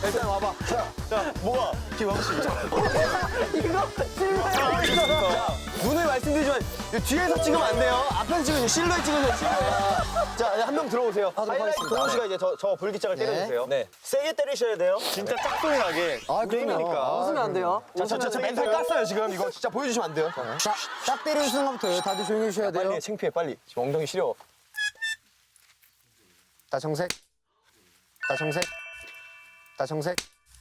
일단 와봐. 자, 뭐가? 김광식. 이거 찍어. 눈을 말씀드리지만 뒤에서 찍으면 안 돼요. 앞에서 찍으면 실루엣 찍으세요. 실루엣. 자, 한 명 들어오세요. 하이라이트 동훈 씨가 이제 저 불기장을 때려주세요. 네. 세게 때리셔야 돼요. 진짜 짝소리 나게. 아, 게임이니까. 웃으면 안 돼요. 저 멘탈 깠어요 지금. 이거 진짜 보여주시면 안 돼요. 자, 딱 때리는 순간부터 다들 조용히 해주셔야 돼요. 빨리 해, 창피해 빨리. 지금 엉덩이 시려. 다 정색. 다 정색. 다 정색.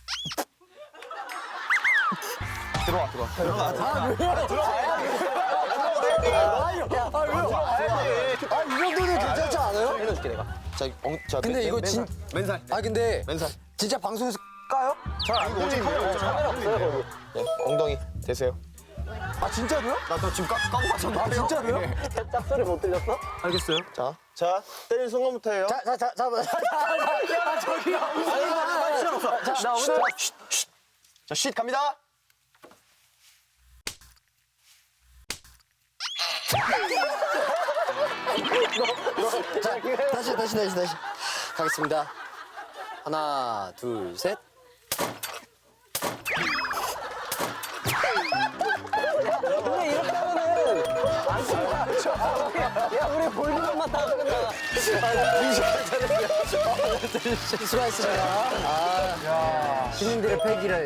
들어와. 아, 이 정도는 괜찮지 않아요? 살려줄게 내가. 자, 근데 이거 진, 맨살. 근데 맨살. 진짜 방송에서 까요? 잘안 보지. 카메라 없어요 거기. 네, 엉덩이 대세요. 아, 진짜로요? 나 너 지금 까고 맞췄는데. 아, 진짜로요? 짝소리 못 들렸어? 알겠어요. 자, 때리는 순간부터예요. 자, 저기요. 나 오늘 자, 쉿 갑니다. 다시. 가겠습니다. 하나, 둘, 셋. 근데 이렇게 하면은 안 쓴다. 야, 우리 볼그것만 다 끝나. 수고하셨습니다. 시민들의 패기를